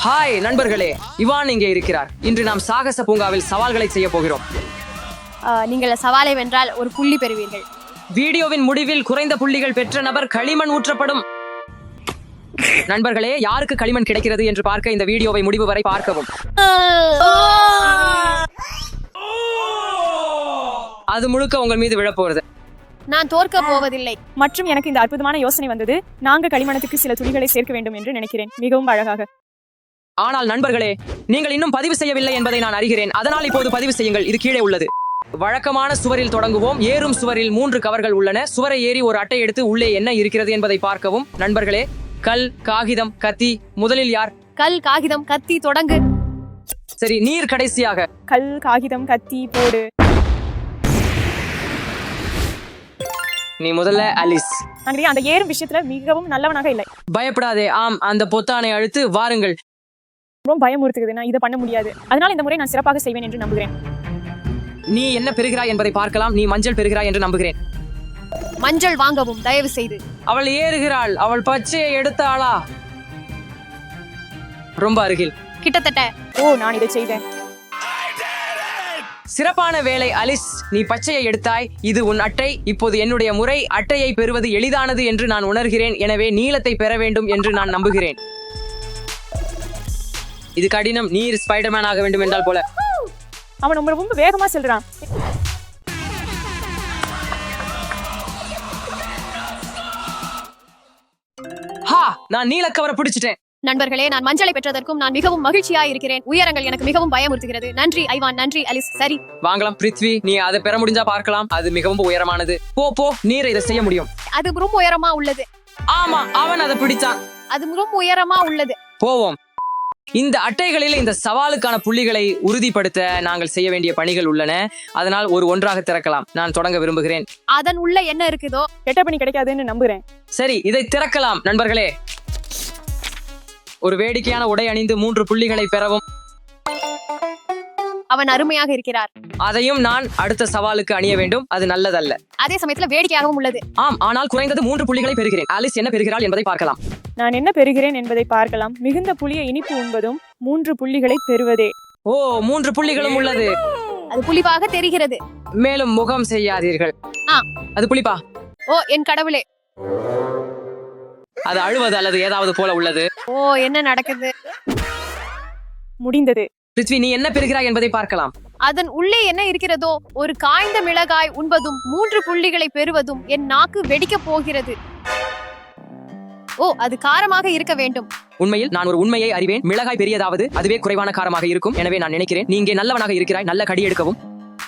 Hi நண்பர்களே, Ivan இங்கே இருக்கிறார். இன்று நாம் சாகச பூங்காவில் சவால்களை செய்ய போகிறோம். நீங்கள் சவாலை வென்றால் ஒரு புள்ளி பெறுவீர்கள். வீடியோவின் முடிவில் குறைந்த புள்ளிகள் பெற்ற நபர் களிமண் ஊற்றப்படும். நண்பர்களே, யாருக்கு களிமண் கிடைக்கிறது என்று பார்க்க இந்த வீடியோவை முடிவு வரை பார்க்கவும். அது முழுக்க உங்கள் மீது விழப்போகிறது. நான் தோற்க போவதில்லை. மற்றும் எனக்கு இந்த அற்புதமான யோசனை வந்தது. நாங்கள் களிமணத்துக்கு சில துளிகளை சேர்க்க வேண்டும் என்று நினைக்கிறேன். மிகவும் அழகாக. ஆனால் நண்பர்களே, நீங்கள் இன்னும் பதிவு செய்யவில்லை என்பதை நான் அறிகிறேன். அதனால் இப்போது பதிவு செய்யுங்கள். இது கீழே உள்ளது. வழக்கமான சுவரில் தொடங்குவோம். ஏறும் சுவரில் 3 கவர்கள் உள்ளன. சுவரை ஏறி ஒரு அட்டை எடுத்து உள்ளே என்ன இருக்கிறது என்பதை பார்க்கவும். நண்பர்களே, கல், காகிதம், கத்தி. முதலில் யார்? கல், காகிதம், கத்தி, தொடங்கு. சரி, நீர் கடைசியாக. கல், காகிதம், கத்தி, போடு. நீ முதல்ல அலிஸ். அந்த ஏறும் விஷயத்துல மிகவும் நல்லவனாக இல்லை. பயப்படாதே. ஆம், அந்த பொத்தானை அழுத்து வாருங்கள். ரொம்ப பயமுறுத்துகிறது. நான் இதை பண்ண முடியாது. அதனால் இந்த முறை நான் சிறப்பாக செய்வேன் என்று நம்புகிறேன். நீ என்ன பெறுகிறாய் என்பதை பார்க்கலாம். நீ மஞ்சள் பெறுகிறாய் என்று நம்புகிறேன். மஞ்சள் வாங்கவும் தயவு செய்து. அவள் ஏறுகிறாள். அவள் பச்சையை எடுத்தாளா? ரொம்ப அருகில். கிட்டத்தட்ட. நான் இதை செய்தேன். சிறப்பான வேலை அலிஸ். நீ பச்சையை எடுத்தாய். இது உன் அட்டை. இப்போது என்னுடைய முறை. அட்டையை பெறுவது எளிதானது என்று நான் உணர்கிறேன். எனவே நீலத்தை பெற வேண்டும் என்று நான் நம்புகிறேன். இது கடினம். நீர் ஸ்பைடர்மேன் ஆக வேண்டும் என்றால் போல. அவன் ரொம்ப வேகமா செல்றான். நான் நீல கவரை பிடிச்சிட்டேன். நண்பர்களே, நான் மஞ்சளை பெற்றதற்கும் நான் மிகவும் மகிழ்ச்சியாக இருக்கிறேன். உயரங்கள் எனக்கு மிகவும் பயமுறுத்துகிறது. நன்றி ஐவான், நன்றி அலிஸ். சரி, வாங்கலாம் பிருத்வி. நீ அதை பெற முடிஞ்சா பார்க்கலாம். அது மிகவும் உயரமானது. போ நீரை இதை செய்ய முடியும். அது ரொம்ப உயரமா உள்ளது. ஆமா, அவன் அதை பிடித்தான். அது ரொம்ப உயரமா உள்ளது. போவோம். இந்த அட்டைகளில் இந்த சவாலுக்கான புள்ளிகளை உறுதிப்படுத்த நாங்கள் செய்ய வேண்டிய பணிகள் உள்ளன. அதனால் ஒன்றாக திறக்கலாம். நான் தொடங்க விரும்புகிறேன். அதன் உள்ள என்ன இருக்குதோ கெட்ட பணி கிடைக்காதுன்னு நம்புகிறேன். சரி, இதை திறக்கலாம். நண்பர்களே, ஒரு வேடிக்கையான உடை அணிந்து 3 புள்ளிகளை பெறவும். அவன் அருமையாக இருக்கிறார். அதையும் நான் அடுத்த சவாலுக்கு அணிய வேண்டும். அது நல்லதல்ல. அதே சமயத்துல வேடிக்கையாகவும் உள்ளது. ஆம், ஆனால் குறைந்தது 3 புள்ளிகளை பெறுகிறேன். ஆலிஸ் என்ன பெறுகிறாள் என்பதை பார்க்கலாம். நான் என்ன பெறுகிறேன் என்பதை பார்க்கலாம். மிகுந்த புளிய இனிப்பு உண்பதும் 3 புள்ளிகளை பெறுவதே. 3 புள்ளிகளும் உள்ளது. அது புளிப்பாக தெரிகிறது. மேலும் முகம் செய்யாதீர்கள். அது புளிப்பா? என் கடவுளே. அது அழுவது அல்லது ஏதாவது போல உள்ளது. என்ன நடக்குது? முடிந்தது. பிருத்வி, நீ என்ன பெறுகிறாய் என்பதை பார்க்கலாம். அதன் உள்ளே என்ன இருக்கிறதோ ஒரு காய்ந்த மிளகாய் உண்பதும் 3 புள்ளிகளை பெறுவதும் என் நாக்கு வெடிக்க போகிறது. அது காரமாக இருக்க வேண்டும். உண்மையில் நான் ஒரு உண்மையை அறிவேன். மிளகாய் பெரியதாவது அதுவே குறைவான காரமாக இருக்கும். எனவே நான் நினைக்கிறேன் நீ இங்கே நல்லவனாக இருக்கிறாய். நல்ல கடி எடுக்கவும்.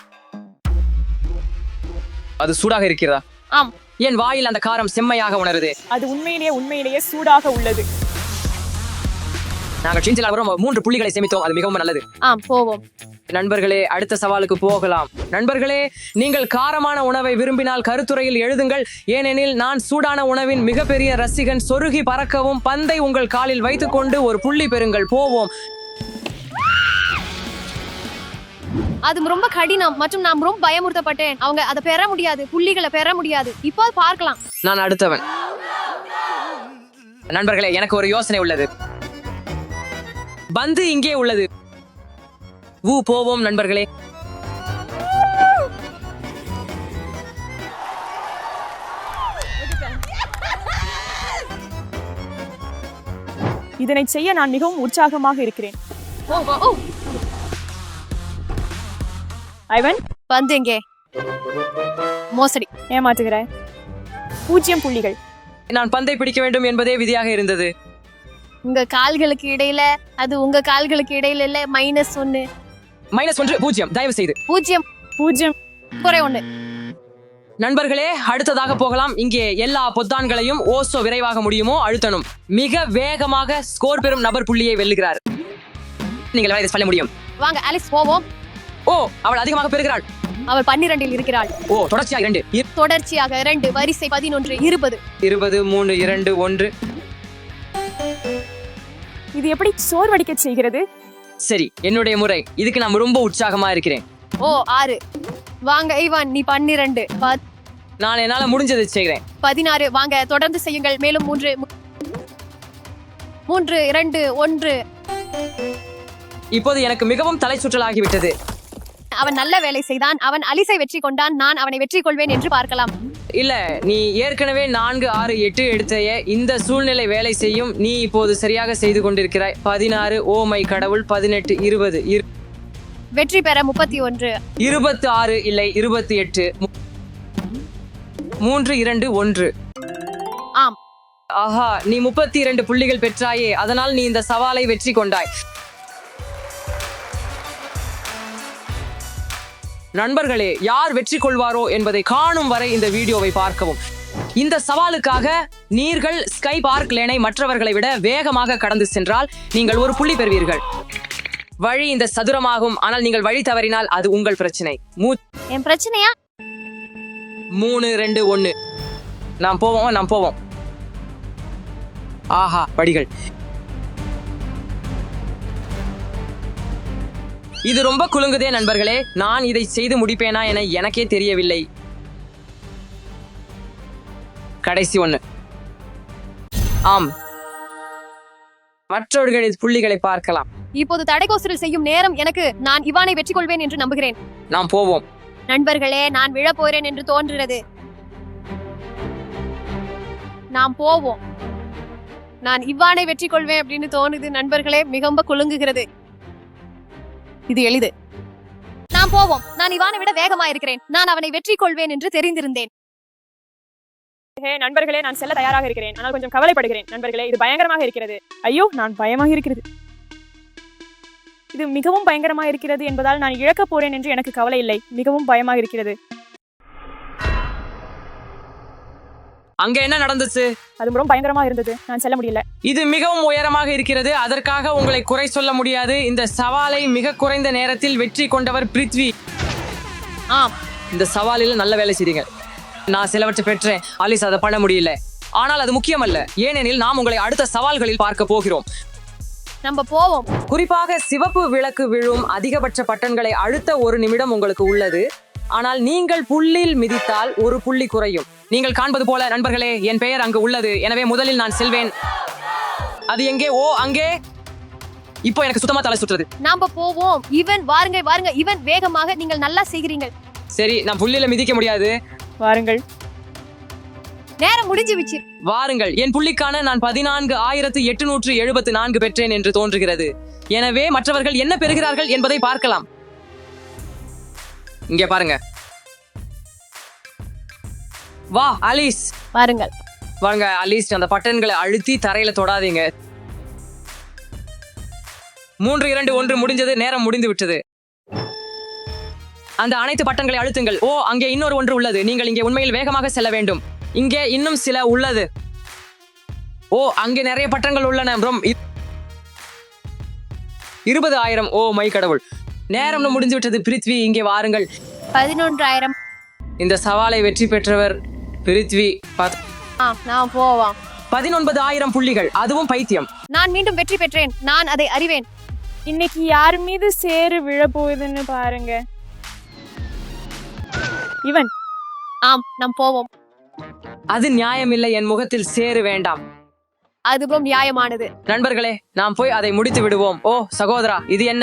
அது சூடாக இருக்கிறதா? ஆம். என் வாயில் அந்த காரம் செம்மையாக உணருது. அது உண்மையிலேயே சூடாக உள்ளது. நாங்கள் சின்சிலாக 3 புள்ளிகளை சேமித்தோம். அது மிகவும் நல்லது. போவோம். நண்பர்களே, அடுத்த சவாலுக்கு போகலாம். நண்பர்களே, நீங்கள் காரமான உணவை விரும்பினால் கருத்துரையில் எழுதுங்கள். ஏனெனில் நான் சூடான உணவின் மிகப்பெரிய ரசிகன். சொருகி பறக்கவும். பந்தை உங்கள் காலில் வைத்துக்கொண்டு ஒரு புள்ளி பெறுங்கள். போவோம். அது ரொம்ப கடினம் மற்றும் நான் ரொம்ப பயமுறுத்தப்பட்டேன். அவங்க அதை பெற முடியாது. புள்ளிகளை பெற முடியாது. இப்போ பார்க்கலாம். நான் அடுத்தவன். நண்பர்களே, எனக்கு ஒரு யோசனை உள்ளது. பந்து இங்கே உள்ளது. போவோம் நண்பர்களே. இதனை செய்ய நான் மிகவும் உற்சாகமாக இருக்கிறேன். ஐவன், பந்து எங்கே? மோசடி. ஏமாற்றுகிறாய். 0 புள்ளிகள். நான் பந்தை பிடிக்க வேண்டும் என்பதே விதியாக இருந்தது. உங்க கால்களுக்கு இடையில, அது உங்க கால்களுக்கு இடையில இல்ல. -1. -1 0. தயவு செய்து 0 குறை 1. நண்பர்களே, அடுத்ததாக போகலாம். இங்கே எல்லா பொத்தான்களையும் விரைவாக முடியுமோ அழுத்தணும். மிக வேகமாக ஸ்கோர் பெறும் நபர் புள்ளியை வெல்லுகிறார். நீங்கள் இதை சொல்ல முடியும். வாங்க அலிஸ், போவோம். அவள் அதிகமாக பெறுகிறாள். அவள் 12 இருக்கிறாள். தொடர்ச்சியாக 2. தொடர்ச்சியாக 2. வரிசை 11, 20. 20, 3, 2, 1. இது எப்படி சோர்வடிக்க செய்கிறது? சரி, என்னுடைய முறை. இதுக்கு நான் ரொம்ப உற்சாகமா இருக்கிறேன். 6. வாங்க ஐவான், நீ 12. நான் என்னால முடிஞ்சதை செய்கிறேன். 16. வாங்க தொடர்ந்து செய்யுங்கள். மேலும் 3, 2, 1. இப்போது எனக்கு மிகவும் தலை சுற்றலாகிவிட்டது. அவன் நல்ல வேலை செய்தான். அவன் அலிசை வெற்றி கொண்டான். நான் அவனை வெற்றி கொள்வேன் என்று பார்க்கலாம். இல்ல, நீ ஏற்கனவே 4, 6, 8 எடுத்தைய. இந்த சூழ்நிலை வேலை செய்யும். நீ இப்போது சரியாக செய்து கொண்டிருக்கிறாய். 16, ஓ மை கடவுள், 18, 20, வெற்றி பெற 31. 26, இல்லை 28, 3, 2, 1. ஆம். ஆஹா, நீ 32 புள்ளிகள் பெற்றாயே. அதனால் நீ இந்த சவாலை வெற்றி கொண்டாய். நண்பர்களே, யார் வெற்றி கொள்வாரோ என்பதை காணும் வரை இந்த வீடியோவை பார்க்கவும். இந்த சவாலுக்காக நீர்கள் ஸ்கை பார்க் லேனை மற்றவர்களை விட வேகமாக கடந்து சென்றால் நீங்கள் ஒரு புள்ளி பெறுவீர்கள். வழி இந்த சதுரமாகும். ஆனால் நீங்கள் வழி தவறினால் அது உங்கள் பிரச்சனை. என் பிரச்சனையா? 3, 2, 1. நாம் போவோம். ஆஹா, படிகள். இது ரொம்ப குலுங்குதே நண்பர்களே. நான் இதை செய்து முடிப்பேனா என எனக்கே தெரியவில்லை. கடைசி 1. ஆம், மற்றவர்களின் புள்ளிகளை பார்க்கலாம். இப்போது தடைகோசரில் செய்யும் நேரம் எனக்கு. நான் இவானை வெற்றி கொள்வேன் என்று நம்புகிறேன். நாம் போவோம். நண்பர்களே, நான் விழப் போறேன் என்று தோன்றுகிறது. நாம் போவோம். நான் இவ்வானை வெற்றி கொள்வேன் அப்படின்னு தோணுது நண்பர்களே. மிகவும் குலுங்குகிறது. இது எளிது. நாம் போவோம். நான் இவானை விட வேகமா இருக்கிறேன். நான் அவனை வெற்றி கொள்வேன் என்று தெரிந்திருந்தேன். நண்பர்களே, நான் செல்ல தயாராக இருக்கிறேன். ஆனால் கொஞ்சம் கவலைப்படுகிறேன். நண்பர்களே, இது பயங்கரமாக இருக்கிறது. ஐயோ, நான் பயமாக இருக்கிறது. இது மிகவும் பயங்கரமாக இருக்கிறது என்பதால் நான் இழக்கப் போறேன் என்று எனக்கு கவலை இல்லை. மிகவும் பயமாக இருக்கிறது. அங்க என்ன நடந்துச்சு? அது ரொம்ப பயங்கரமா இருந்தது. நான் செல்ல முடியல. இது மிகவும் உயரமாக இருக்கிறது. அதற்காக உங்களை குறை சொல்ல முடியாது. இந்த சவாலை மிக குறைந்த நேரத்தில் வெற்றி கொண்டவர் பிருத்வி. ஆம், இந்த சவாலில் நல்ல வேலை செய்தீங்க. நான் சிலவற்றை பெற்றேன். அலிஸ் அதை பண்ண முடியல. ஆனால் அது முக்கியமல்ல, ஏனெனில் நாம் உங்களை அடுத்த சவால்களில் பார்க்க போகிறோம். நம்ம போவோம். குறிப்பாக சிவப்பு விளக்கு விழும் அதிகபட்ச பட்டன்களை அழுத்த 1 நிமிடம் உங்களுக்கு உள்ளது. ஆனால் நீங்கள் புள்ளியில் மிதித்தால் 1 புள்ளி குறையும். நீங்கள் காண்பது போல நண்பர்களே, என் பெயர் அங்கு உள்ளது. எனவே முதலில் நான் செல்வேன். அது எங்கே? ஓ, அங்கே. இப்போ எனக்கு சுத்தமா தலை சுற்றுது. நாம போவோம். இவன் வாருங்க. இவன் வேகமாக. நீங்கள் நல்லா செய்கிறீர்கள். சரி, நான் புள்ளியில மிதிக்க முடியாது. வாருங்கள். நேரம் முடிஞ்சுவிச்சு. வாருங்கள். என் புள்ளிக்கான நான் 14,874 பெற்றேன் என்று தோன்றுகிறது. எனவே மற்றவர்கள் என்ன பெறுகிறார்கள் என்பதை பார்க்கலாம். இங்க பாருங்க. வா அலிஸ். பாருங்கள். வாங்க அலிஸ், அந்த பட்டன்களை அழுத்தி தரையில தொடாதீங்க. 3, 2, 1 முடிஞ்சது. நேரம் முடிந்து விட்டது. அந்த அனைத்து பட்டன்களை அழுத்துங்கள். ஓ, அங்கே இன்னொரு ஒன்று உள்ளது. நீங்கள் இங்கே உண்மையில் வேகமாக செல்ல வேண்டும். இங்கே இன்னும் சில உள்ளது. ஓ, அங்கே நிறைய பட்டங்கள் உள்ளன. 20,000. ஓ மை கடவுள், நேரம் முடிஞ்சு விட்டது. பிருத்வி, இங்கே வாருங்கள். 11,000. இந்த சவாலை வெற்றி பெற்றவர் பிருத்வி. நான் போவோம். 19,000 புள்ளிகள், அதுவும் பைத்தியம். நான் மீண்டும் வெற்றி பெற்றேன். நான் அதை அறிவேன். இன்னைக்கு யார் மீது சேறு விழப்போகுதுன்னு பாருங்க. இவன். ஆம், நாம் போவோம். அது நியாயமில்லை. என் முகத்தில் சேறு வேண்டாம். அதுவும் நியாயமானது. நண்பர்களே, நாம் போய் அதை முடித்து விடுவோம். ஓ சகோதரா, இது என்ன?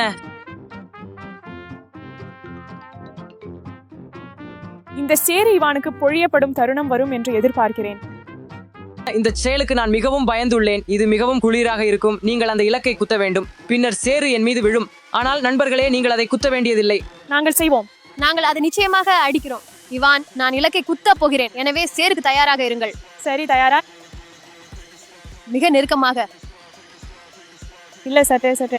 இந்த சேறு இவானுக்கு பொழியப்படும் தருணம் வரும் என்று எதிர்பார்க்கிறேன். இந்த செயலுக்கு நான் மிகவும் பயந்துள்ளேன். இது மிகவும் குளிராக இருக்கும். நீங்கள் அந்த இலக்கை குத்த வேண்டும். பின்னர் சேறு என் மீது விழும். ஆனால் நண்பர்களே, நீங்கள் அதை குத்த வேண்டியதில்லை. நாங்கள் செய்வோம். நாங்கள் அதை நிச்சயமாக அடிக்கிறோம். இவான், நான் இலக்கை குத்த போகிறேன். எனவே சேருக்கு தயாராக இருங்கள். சரி, தயாரா? மிக நெருக்கமாக. இல்ல, சட்டே.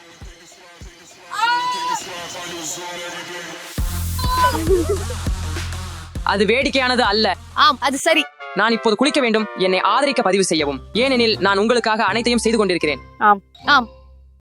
அது வேடிக்கையானது அல்ல. ஆம், அது சரி. நான் இப்போது குளிக்க வேண்டும். என்னை ஆதரிக்க பதிவு செய்யவும், ஏனெனில் நான் உங்களுக்காக அனைத்தையும் செய்து கொண்டிருக்கிறேன். ஆம். ஆம்.